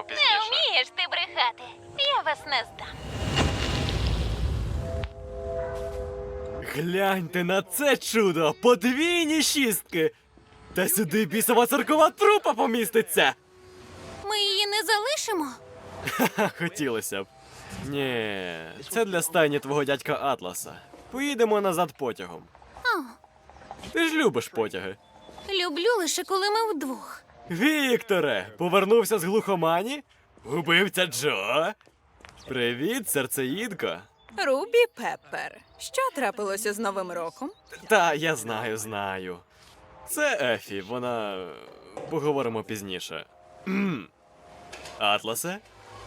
пізніше. Не вмієш ти брехати. Я вас не здам. Гляньте на це чудо! Подвійні шістки! Та сюди бісова циркова трупа поміститься! Ми її не залишимо. Ха, хотілося б. Ні, це для стайні твого дядька Атласа. Поїдемо назад потягом. О, Ти ж любиш потяги. люблю лише коли ми вдвох. Вікторе, повернувся з глухомані? Убивця Джо? Привіт, серцеїдко. Рубі Пеппер. Що трапилося з Новим роком? Та, я знаю. Це Ефі, вона. Поговоримо пізніше. Атласе?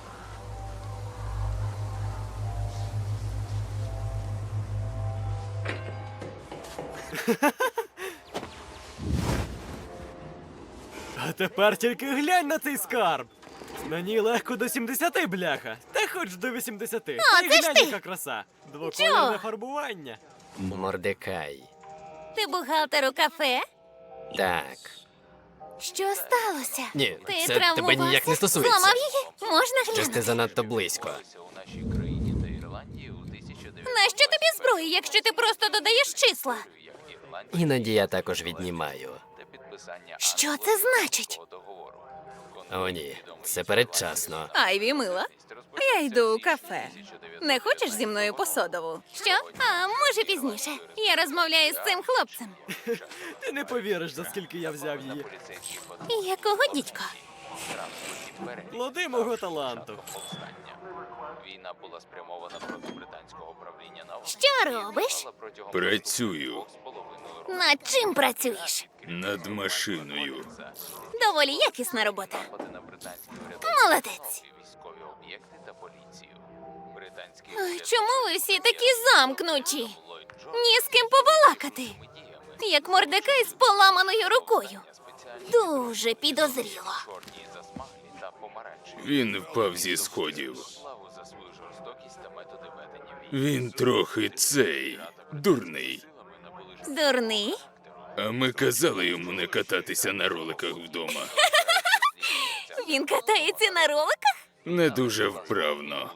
А тепер тільки глянь на цей скарб. На ній легко до 70, бляха. Та хоч до 80. Та й це ж глянь, ти! яка краса. Двокольне Джо! фарбування. Мордекай. Ти бухгалтер у кафе? Так. Що сталося? Ні, ти це тебе ніяк не стосується. Зламав її? Можна Щось ти глянути? занадто близько. У нашій країні та Ірландії у 1900 Нащо тобі зброя, якщо ти просто додаєш числа? як Ірландія Іноді я також віднімаю. та підписання Що це значить? договору. О, ні, це передчасно. Айві, мила. Я йду у кафе. Не хочеш зі мною по содову? Що? А може пізніше. Я розмовляю з цим хлопцем. Ти не повіриш, за скільки я взяв її. Поліцейських патрулів Якого дідька? транспортні перегляди Плоди мого таланту. повстання. Війна була спрямована проти британського правління на Що робиш? протягом Працюю 2,5 року. Над чим працюєш? над машиною. Доволі якісна робота. Напади на британські Молодець. військові об'єкти та поліцію. Британські Ой, чому ви всі такі замкнуті? Ллойд Джордж Ні з ким побалакати. діями Як Мордекай з поламаною рукою. спеціальні Дуже підозріло. чорні засмаглі та помаранчеві. Він впав зі сходів. Славу за свою жорстокість та методи ведення війни. Він трохи цей дурний. Силами набули Дурний? А ми казали йому не кататися на роликах вдома. Він катається на роликах? Не дуже вправно.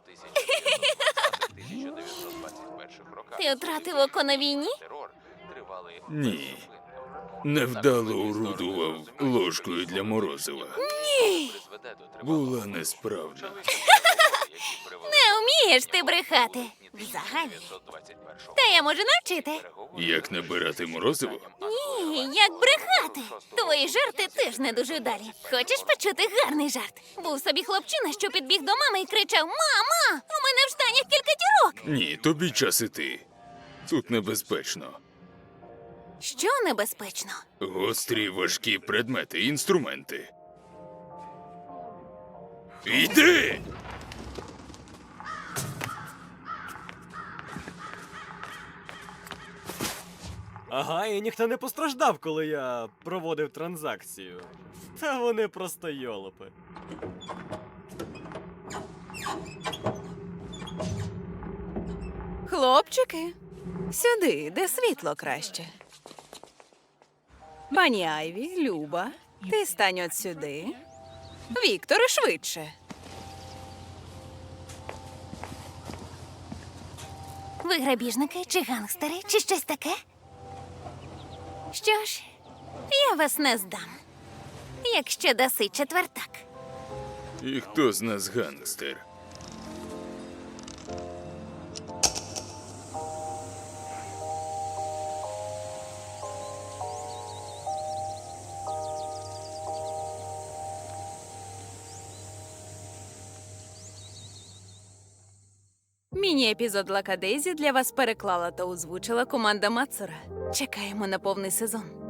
1921 роках. Ти втратив око на війні? Терор тривалий Ні. Невдало орудував ложкою для морозива. призведе до тривалого Була несправна. Не вмієш ти брехати. Взагалі. 1921 Та я можу навчити. Як набирати морозиво? Ні, як брехати. Твої жарти теж не дуже вдалі. Хочеш почути гарний жарт? Був собі хлопчина, що підбіг до мами і кричав: Мама! У мене в штанях кілька дірок! Ні, тобі час іти. Тут небезпечно. Що небезпечно? Гострі важкі предмети, інструменти. Йди! Ага, і ніхто не постраждав, коли я проводив транзакцію. Та вони просто йолопи. Хлопчики, сюди, де світло краще. Пані Айві, Люба, ти стань от сюди. Вікторе, швидше. Ви грабіжники чи гангстери, чи щось таке? Що ж, я вас не здам. Якщо даси четвертак. І хто з нас гангстер? Міні-епізод Лакадезі для вас переклала та озвучила команда Мацура. Чекаємо на повний сезон.